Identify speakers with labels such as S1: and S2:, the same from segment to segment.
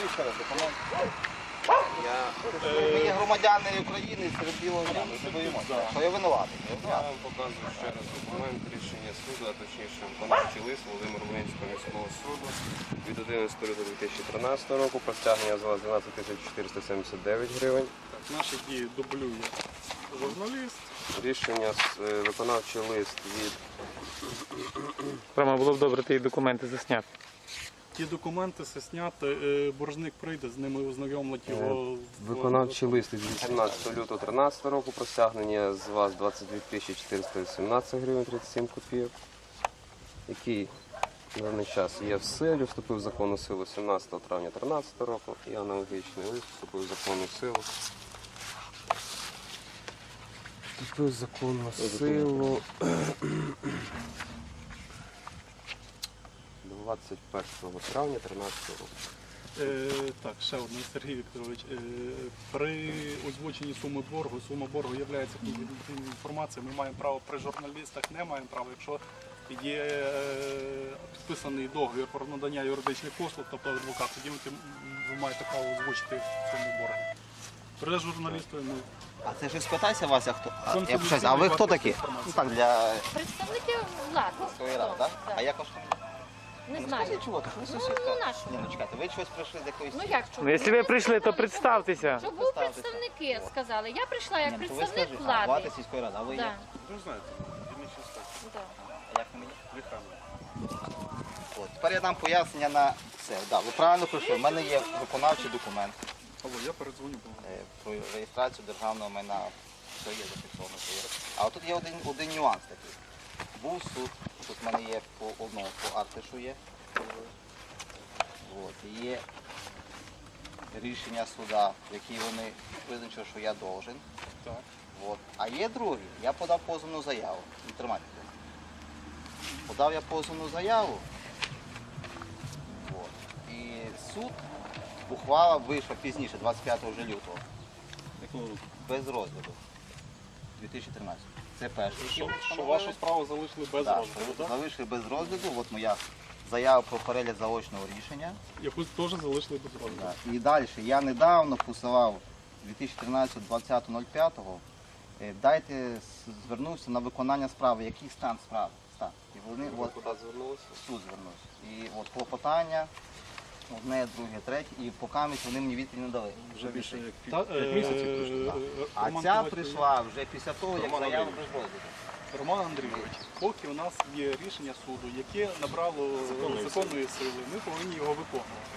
S1: покажіть ще раз документ. Ми є громадяни України серед білого дня, ми не боїмося. Що я винуватий?
S2: Я вам показую ще раз документ рішення суду, а точніше виконавчий лист Володимир-Волинського міського суду від 11 лютого 2013 року про стягнення з вас 12 479 гривень.
S3: Наші дії дублює журналіст.
S2: Рішення, виконавчий лист від...
S4: Рома, було б добре ті документи засняти.
S3: Ті документи все зняти, боржник прийде, з ними ознайомлять його.
S2: Виконавчий лист від 18 лютого 2013 року про стягнення з вас 22 417 гривень 37 копійок, який на даний час є в силі, вступив в законну силу 17 травня 2013 року і аналогічний лист вступив в законну силу. Вступив в законну силу 21 травня 2013 року.
S3: Так, ще одне, Сергій Вікторович. При озвученні суми боргу є конфіденційною інформацією. Ми маємо право при журналістах, не маємо права, якщо є підписаний договір про надання юридичних послуг, тобто адвокат, тоді ви маєте право озвучити суму боргу. При журналісту ми...
S1: А це ж спитайся, Вася, хто? А ви хто такі? Ну так, для
S5: Представники влади.
S1: своєї ради, так? А як ваш?
S5: Не
S1: Ну,
S5: знаю.
S1: скажіть, чого? Ви
S5: Ну,
S1: сусідка.
S5: нашу.
S1: Ні, ну чекайте, ви чогось прийшли з якоїсь...
S5: Ну як
S4: Ну,
S5: чому?
S4: якщо ви прийшли, то представтеся.
S5: Щоб був представники, сказали. Я прийшла як
S1: Ні, ну, то ви
S5: представник
S1: скажіть,
S5: влади.
S1: влади сільської ради, а ви
S5: Да.
S1: як?
S3: Ви знаєте, дільничний інспектор.
S5: Да.
S1: А як ви мені? От, тепер я дам пояснення на все. Да, ви правильно прийшли. У мене є виконавчий документ
S3: Алло, я передзвоню.
S1: про реєстрацію державного майна. Все є зафіксовано. А от тут є один нюанс такий. Був суд, тут в мене є по одному, по Артишу є. От, є рішення суда, в якій вони визначили, що я должен.
S3: Так.
S1: От. А є другий, я подав позовну заяву. Не тримайте. Подав я позовну заяву. От. І суд, ухвала вийшла пізніше, 25 вже лютого. Без розгляду. 2013. Це перший.
S3: Що вашу справу залишили без
S1: Так,
S3: розгляду, так?
S1: залишили без розгляду. От моя заява про перегляд заочного рішення.
S3: Яку теж залишили без розгляду.
S1: Да. І далі, я недавно посилав 2013-20.05, звернувся на виконання справи. Який стан справи? Стан. І вони
S2: Ви куди звернулися?
S1: в суд звернувся. І от клопотання, одне, друге, третє, і поки вони мені відповідь не дали.
S3: Вже більше як
S2: Як місяців пройшло,
S1: А
S3: Роман
S1: ця
S3: Ковальчук.
S1: прийшла вже після того, як
S2: Роман
S1: заява
S2: Андрійович.
S1: без розгляду.
S3: Роман Андрійович, поки у нас є рішення суду, яке набрало законної сили, ми повинні його виконувати.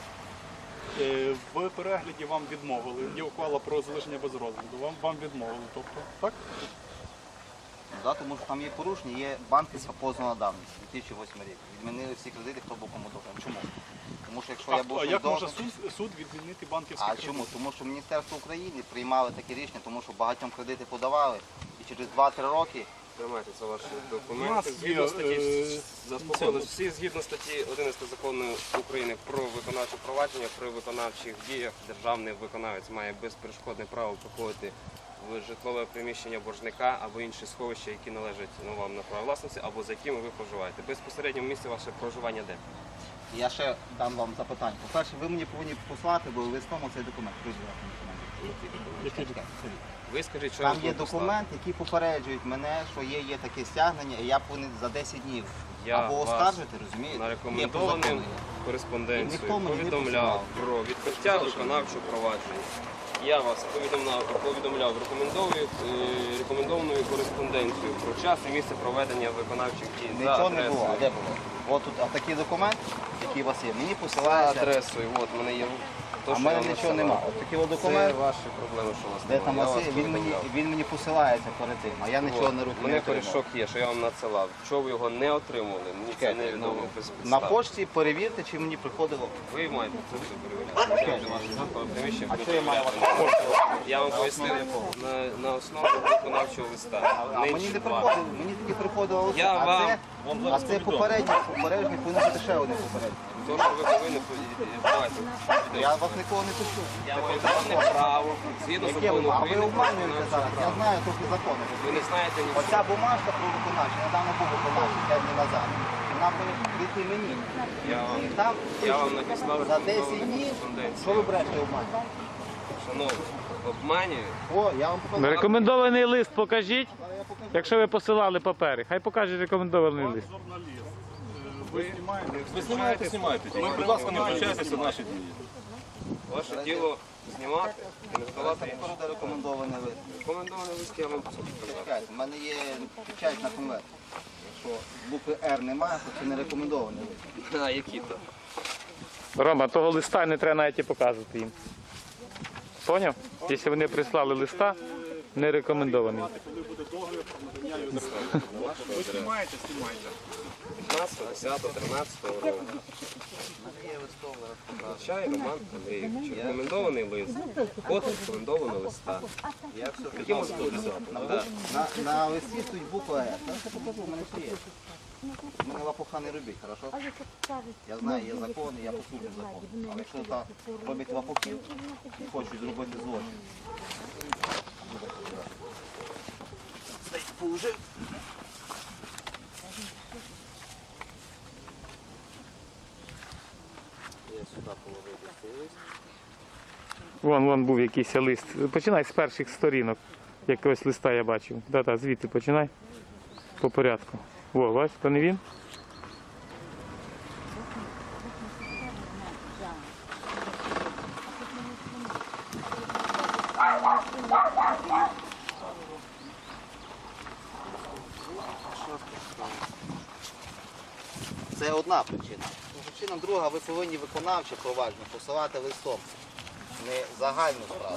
S3: В перегляді вам відмовили, є ухвала про залишення без розгляду, вам відмовили, тобто, так?
S1: Да, тому що там є порушення, є банківська позовна давність, 2008 рік. Відмінили всі кредити, хто був кому должен. Чому? Тому що якщо я був
S3: А як може
S1: должен...
S3: суд відмінити банківські
S1: А
S3: кредити?
S1: чому? Тому що Міністерство України приймали такі рішення, тому що багатьом кредити подавали, і через 2-3 роки
S2: Тримайте, це ваші
S3: У
S2: документи.
S3: нас
S2: Згідно
S3: є,
S2: статті, заспокоїлись всі згідно статті 11 закону України про виконавче провадження, при виконавчих діях державний виконавець має безперешкодне право проходити в житлове приміщення боржника або інші сховища, які належать вам на право власності, або за якими ви проживаєте. Безпосередньо в місці ваше проживання де?
S1: я ще дам вам запитання. По-перше, ви мені повинні послати, бо листом цей документ.
S3: Який документ?
S2: Ви скажіть, що я
S1: Там
S2: вам
S1: є
S2: послав.
S1: документ, який попереджують мене, що є таке стягнення, і я повинен за 10 днів
S2: Я
S1: або
S2: вас
S1: оскаржити, розумієте?
S2: на
S1: Є по
S2: рекомендованим
S1: закону.
S2: кореспонденцією
S1: Ніхто мені не
S2: повідомляв
S1: посилав.
S2: про відкриття виконавчого провадження. Я вас повідомляв рекомендованою кореспонденцією про час і місце проведення виконавчих дій. За
S1: Нічого не
S2: адресою.
S1: було. А де було? От тут такий документ, який у вас є, мені
S2: За
S1: посилається,
S2: адресою, от в мене є. То,
S1: а в
S2: що
S1: мене
S2: я
S1: нічого
S2: надсилав.
S1: немає. От такий от
S2: Це
S1: документ,
S2: ваші проблеми, що у вас
S1: де
S2: немає.
S1: там
S2: Я
S1: вас
S2: вас
S1: є,
S2: повідомляв.
S1: він мені посилається перед тим, а я нічого не
S2: От,
S1: руки
S2: мене
S1: не отримав.
S2: корішок є, що я вам надсилав. Чого ви його не отримали? Мені це не відомо без
S1: На
S2: підстав.
S1: почті перевірте, чи мені приходило.
S2: Ви маєте це все перевіряти.
S1: А що я маю вас?
S2: Я вам пояснив на основі виконавчого листа.
S1: А мені
S2: Нинче
S1: не
S2: два.
S1: приходило, мені тільки приходило лист,
S2: Я вам-
S1: а це попередній повинен бути ще один попередній.
S2: То, що ви повинні бачити.
S1: Я вас нікого не пишу.
S2: Я маю законне право, згідно
S1: Яке
S2: закону
S1: ви? А ви
S2: України, про
S1: обманюєте
S2: виконавче
S1: зараз. Я
S2: право.
S1: знаю трохи закони.
S2: Ви не знаєте нічого.
S1: Оця бумажка про виконавче, недавно був виконавчий 5 днів назад. вона повинна прийти мені. І там
S2: Я вам надіслав
S1: за 10
S2: рекомендовану
S1: днів, що
S2: кореспонденцію.
S1: ви брешете обман?
S2: Шановні, обманюю.
S1: О, я вам показав.
S4: Рекомендований лист покажіть,
S1: Я покажу.
S4: якщо ви посилали папери. Хай покаже рекомендований лист.
S3: Журналіст. Ви знімаєте?
S6: Ви знімаєте. Будь ласка, не втручайтеся в наші дії.
S2: Ваше діло знімати і не здавати іншим.
S1: Буде рекомендований лист.
S2: Рекомендований лист я вам посадив.
S1: Чекайте, в мене є печать на конверт. Якщо букви Р немає, то це не рекомендований лист.
S2: А які то?
S4: Рома, того листа не треба навіть і показувати їм. Поняв? Якщо вони прислали листа, не рекомендований.
S3: Коли буде договір про надання юридичної. Ви знімаєте?
S2: 15, 10, 13 року. Чай, Роман Андрійович. Рекомендований лист. Код рекомендованого листа.
S1: Я все
S2: Які можуть бути? Да.
S1: на листі стоїть буква Р. Зараз я покажу, в мене все є. Мене лапуха не робіть, хорошо? Я знаю, є закон, і я послухаю закон. Але якщо так роблять лапухів і хочуть зробити злочин. Положив. Я сюди положив цей лист.
S4: Вон був якийсь лист. Починай з перших сторінок. Якогось листа я бачив. Да, звідти починай. По порядку. О, бачиш, то не він?
S1: Це одна причина. Причина друга, ви повинні виконавче провадження посилати листом. Не загальну справу.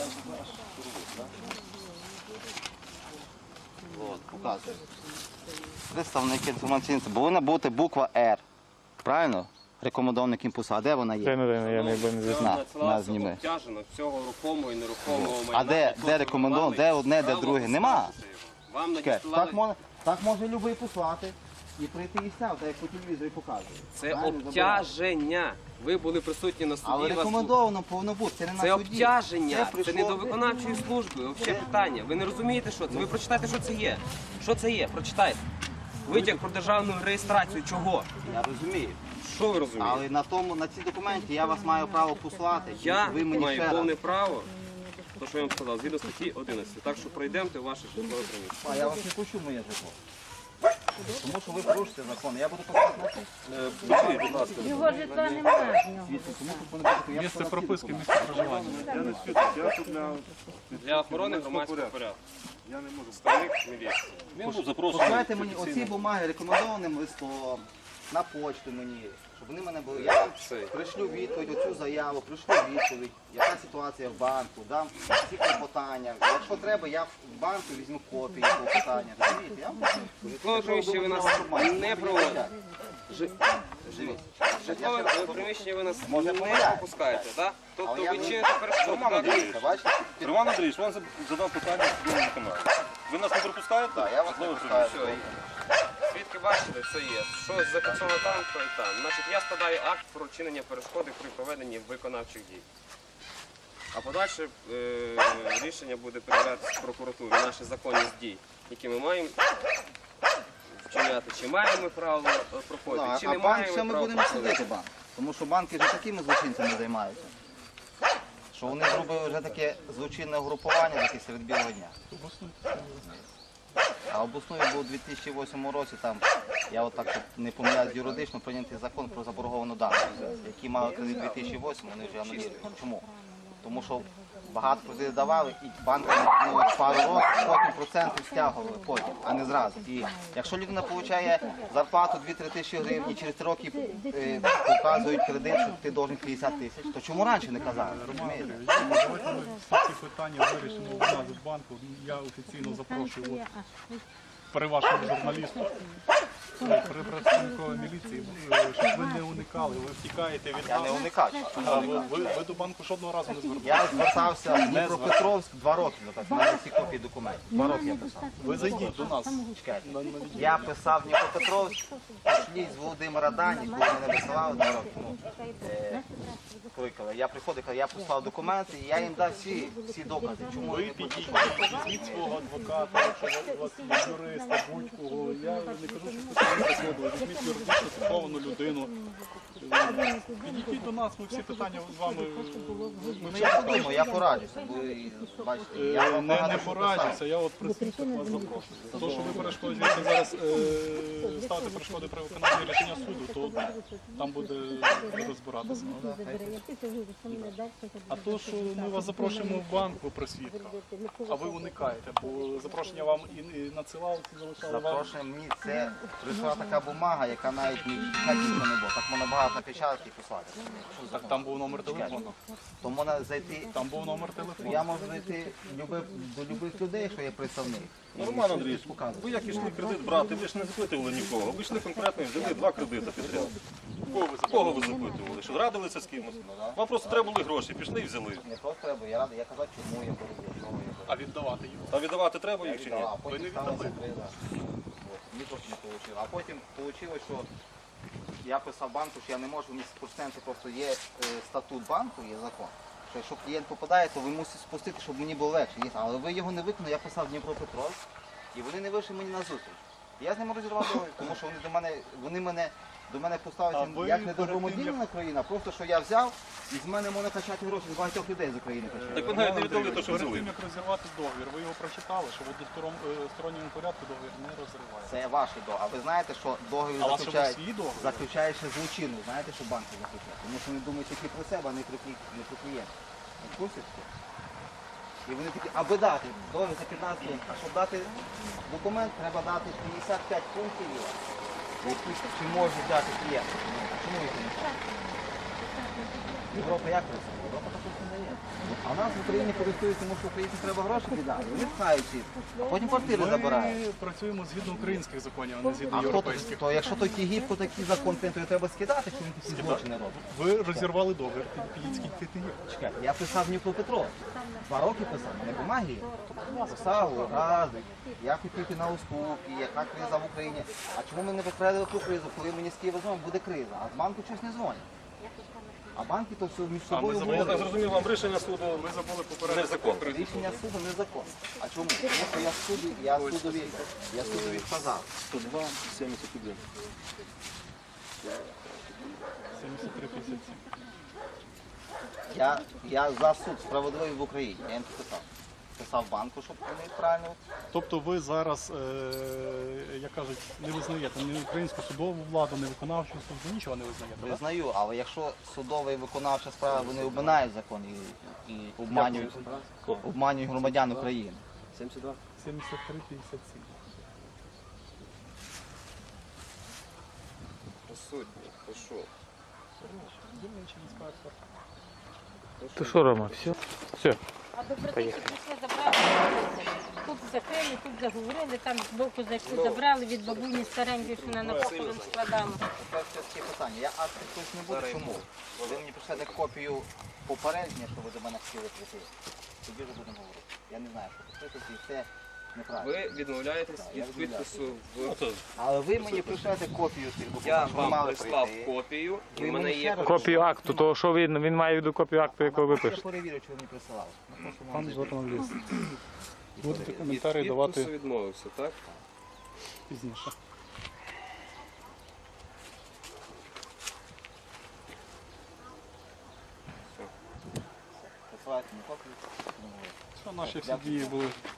S1: От, показую. Представник інформаційного. Повинна бути буква Р. Правильно? Рекомендований імпульс. А де вона є?
S4: Я не знаю.
S1: На зніми.
S2: Обтяжено всього рухомого і нерухомого майна.
S1: А де рекомендовано? Де одне, де друге? Нема.
S2: Вам
S1: Чекай,
S2: надіслали.
S1: так може любий послати і прийти і сняв, так як по телевізорі показує.
S2: Це
S1: Правильно,
S2: обтяження. Ви були присутні на суді.
S1: Але
S2: вас тут-
S1: рекомендовано повинно бути, це не
S2: Це
S1: на суді.
S2: обтяження, це
S1: прийшло-
S2: не до виконавчої служби. Взагалі питання. Ви не розумієте, що це? Ви прочитайте, що це є. Що це є? Прочитайте. Витяг про державну реєстрацію. Чого?
S1: Я розумію.
S2: Що ви розумієте?
S1: Але на цій документі я вас маю право послати.
S2: Я
S1: ви мені
S2: маю
S1: ще раз.
S2: повне право, то що я вам сказав, згідно статті 11. Так що пройдемте в ваше житлове приміщення.
S1: А я вас не пущу в моє житло. Тому що ви порушите закон. Я буду показувати на суд.
S6: Будь ласка.
S5: Його житла немає.
S1: Звідси, тому що повинно бути, я
S3: Місце
S1: б сказав,
S3: прописки,
S1: всі
S3: місце проживання.
S6: Я не свідок, я тут
S2: Для охорони громадського порядку.
S6: я не можу.
S2: Представник міліції.
S6: Він був запрошений.
S1: Посилайте мені оці бумаги рекомендованим листом, на почту мені, щоб вони в мене були. Я вам пришлю відповідь, оцю заяву, пришлю відповідь, яка ситуація в банку, дам всі клопотання. Якщо треба, я в банку візьму копії клопотання. Розумієте? Я вам
S2: Житлове приміщення ви нас не проводите. Житлове приміщення ви нас
S1: Може,
S2: не
S1: помиляюсь.
S2: пропускаєте, так? Тобто
S1: Але я
S2: ви
S1: не-
S2: чините перешкоду. так?
S1: Дивіться, бачите?
S6: Роман Андрійович, вам задав питання в судовому каналі. Ви нас не пропускаєте?
S1: Так, я вас не пускаю.
S2: Все, свідки бачили, все є. Що зафіксовано там, то і там. Значить, я складаю акт про вчинення перешкоди при проведенні виконавчих дій. А подальше рішення буде перевірятися прокуратурі, наші законність дій, які ми маємо вчиняти. Чи маємо ми право проходити,
S1: Ну,
S2: чи
S1: а
S2: не
S1: банк
S2: маємо
S1: ще ми
S2: права
S1: будемо
S2: проходити.
S1: судити банк. Тому що банки вже такими злочинцями займаються. Що вони зробили вже таке злочинне угрупування таке серед білого дня. А обласною був у 2008 році, там, я отак от не помиляюсь юридично, прийнятий закон про заборговану дану, які мали кредит 2008, вони вже анулюють. Чому? Тому що багато кредитів давали і банками пару років, потім проценти стягували потім, а не зразу. І якщо людина отримує зарплату 2-3 тисячі гривень і через 3 роки показують кредит, що ти должен 50 тисяч, то чому раніше не казали? Розумієте?
S3: Давайте ми всі ці питання вирішимо у нас в банку. Я офіційно запрошую при вашому журналісту, при представнику міліції, щоб ви не уникали, ви втікаєте від
S1: Я не
S3: нас.
S1: уникач.
S3: А ви до банку жодного разу не зверталися.
S1: Я звертався в Дніпропетровськ 2 роки, так, в мене всі копії документів. 2 роки я писав.
S3: Ви зайдіть до нас.
S1: Чекайте. Я писав в Дніпропетровськ, пошліть з Володимира Дані, коли мене висилали 2 роки. Кликали. Я приходив, я послав документи, і я їм дав всі докази. Чому
S3: Ви
S1: я не
S3: підійдіть, візьміть свого адвоката, якщо у вас є юриста, будь-кого. Я не кажу, що візьміть юридично сформовану людину. Підійдіть до нас, ми всі питання з вами. Ми
S1: Ну я подумаю, я пораджуся, бо бачите, я вам
S3: не
S1: багато що
S3: пораджуся,
S1: писав.
S3: я от при свідках вас запрошую. То, що ви перешкоджуєте зараз ставите перешкоди при виконанні рішення суду, то там буде розбиратися. А то, що ми вас запрошуємо в банк, ви при свідках, а ви уникаєте, бо запрошення вам і надсилали, залишали вам.
S1: Запрошення мені це прийшла така бумага, яка навіть ні нічого не було. Так можна багато напечатати і послати.
S3: Так там був номер телефону.
S1: То можна зайти.
S3: Там був номер телефону.
S1: Я можу зайти до любих людей, що є представник.
S6: Ну, Роман Андрійович, ви як ішли кредит брати, ви ж не запитували нікого. Ви йшли конкретно і взяли 2 кредити підряд. Кого ви запитували? Що радилися з кимось? Вам просто треба були гроші, пішли і взяли.
S1: Не просто треба, я радий, я казав, чому я буду, для чого я буду.
S3: А віддавати їх.
S6: А віддавати треба їх чи ні?
S1: А потім
S3: не
S1: сталася
S3: віддали?
S1: криза. От, мені теж не вийшло. А потім вийшло, що я писав банку, що я не можу в місць просто є статут банку, є закон. Що якщо клієнт попадає, то ви мусите спустити, щоб мені було легше. Але ви його не виконали, я писав Дніпропетровськ, і вони не вийшли мені на зустріч. Я з ними розірвав договір, тому що вони до мене
S3: А
S1: поставилися
S3: ви
S1: як
S3: перед
S1: недобромодільна країна, просто що я взяв і з мене можна качати гроші з багатьох людей з України качати.
S6: Так ви навіть не віддали те, що
S3: Перед
S6: взяли.
S3: тим, як розірвати договір, ви його прочитали, що в односторонньому порядку договір не розривається.
S1: Це ваші договір. А ви знаєте, що договір
S3: А у вас що,
S1: заключають,
S3: свій договір?
S1: заключає ще злочинно. Знаєте, що банки заключають? Тому що вони думають тільки про себе, а не про клієнта. Ви в курсі цього? І вони такі, аби дати договір за 15 років, а щоб дати документ, треба дати 55 пунктів, які чи можуть дати клієнт. Чому їх не так? Європа як працює? Європа також не дає. А в нас в Україні користуються, тому що українцям треба гроші віддати. Вони пхають всі, а потім квартири забирають.
S3: Ми працюємо згідно українських законів, а не згідно
S1: А хто
S3: європейських.
S1: то, якщо той Тігіпко такий закон, то його треба скидати, що він такі злочини робить.
S3: Ви розірвали договір, підіть скільки є.
S1: Чекайте, я писав Дніпропетровськ. 2 роки писав, не бумаги. Писав рази. Я хотів йти на уступки, яка криза в Україні. А чому ми не попередили ту кризу, коли мені з Києва дзвонять, буде криза, а з банку щось не дзвонять. А банки то все між собою
S6: Я так
S1: говорять.
S6: зрозумів, вам рішення суду
S3: Ми забули
S6: не
S3: попередити.
S6: закон.
S1: Рішення суду незаконне. А чому? Тому що я судові вказав.
S6: 102, 71.
S3: 73-57.
S1: Я за суд справедливий в Україні. Я їм це писав. Писав банку, щоб вони правильно.
S3: Тобто ви зараз, як кажуть, не визнаєте ні українську судову владу, ні виконавчу суд, ви нічого не визнаєте, так?
S1: Визнаю, але якщо судова і виконавча справа, вони обминають закон і обманюють громадян України.
S6: 72.
S3: 73-57.
S2: Присутні, пишу.
S3: Дільничий інспектор.
S4: То що, Рома, все? Все.
S5: А добротики прийшли, забрали. Тут закрили, тут заговорили, там з боку зайшли, забрали від бабуні старенької, що на похорон складали.
S1: Тепер це таке питання. Я акти хтось не буде. Чому? Ви мені прийшли копію попереднє, що ви до мене хотіли прийти. Тоді вже будемо говорити. Я не знаю, що підписати, і це неправильно.
S2: Ви відмовляєтесь від підпису в...
S1: Але ви мені прийшлете копію цих
S2: Я
S1: документів, що ви
S2: вам
S1: мали
S2: прислав
S1: прийти.
S2: копію, і
S1: Ви
S2: в мене
S1: мені
S2: є
S1: ще раз-
S4: Копію акту, того що він має в виду копію акту, якого ви
S1: Я
S4: пишете.
S1: перевірю, чи ви мені присилали. Ну, просто
S3: Пан
S1: можна
S3: журналіст. Будете
S2: від
S3: коментарі
S2: підпису
S3: давати
S2: відмовився, так?
S3: пізніше.
S1: присилати мені копію.
S3: Що наші всі дії були